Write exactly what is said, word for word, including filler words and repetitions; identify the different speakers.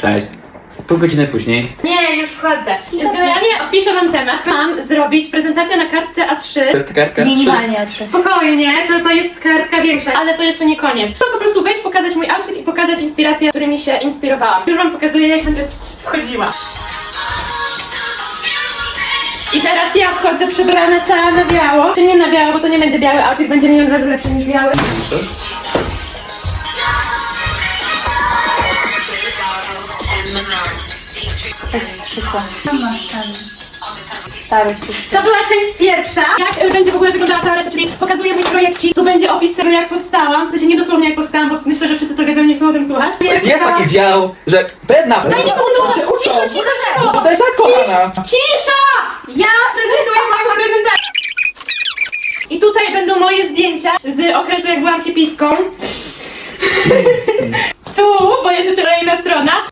Speaker 1: Cześć. Pół godziny później.
Speaker 2: Nie, już wchodzę. Więc generalnie opiszę wam temat. Mam zrobić prezentację na kartce A trzy.
Speaker 1: To jest kartka?
Speaker 3: Minimalnie A trzy.
Speaker 2: Spokojnie, to, to jest kartka większa, ale to jeszcze nie koniec. To po prostu wejść, pokazać mój outfit i pokazać inspiracje, którymi się inspirowałam. Już wam pokazuję, jak będę wchodziła. I teraz ja wchodzę przebrana cała na biało. Czy nie na biało, bo to nie będzie biały outfit, będzie milion razy lepszy niż biały.
Speaker 3: To jest przykład. Starość jest.
Speaker 2: To była część pierwsza. Jak będzie w ogóle wyglądała cała reszta, czyli pokazuję mój projekcik. Tu będzie opis tego, jak powstałam. W sensie nie dosłownie jak powstałam, bo myślę, że wszyscy to wiedzą, nie chcą o tym słuchać.
Speaker 1: Jest taki dział, że pewna
Speaker 2: Dajcie
Speaker 1: pewna
Speaker 2: uczą,
Speaker 1: się uczą.
Speaker 2: cicho, cicho, cicho!
Speaker 1: To też jak kochana.
Speaker 2: Cisza! Ja prezentuję moją prezentację. I tutaj będą moje zdjęcia z okresu, jak byłam hipiską. Tu, bo jest jeszcze kolejna strona.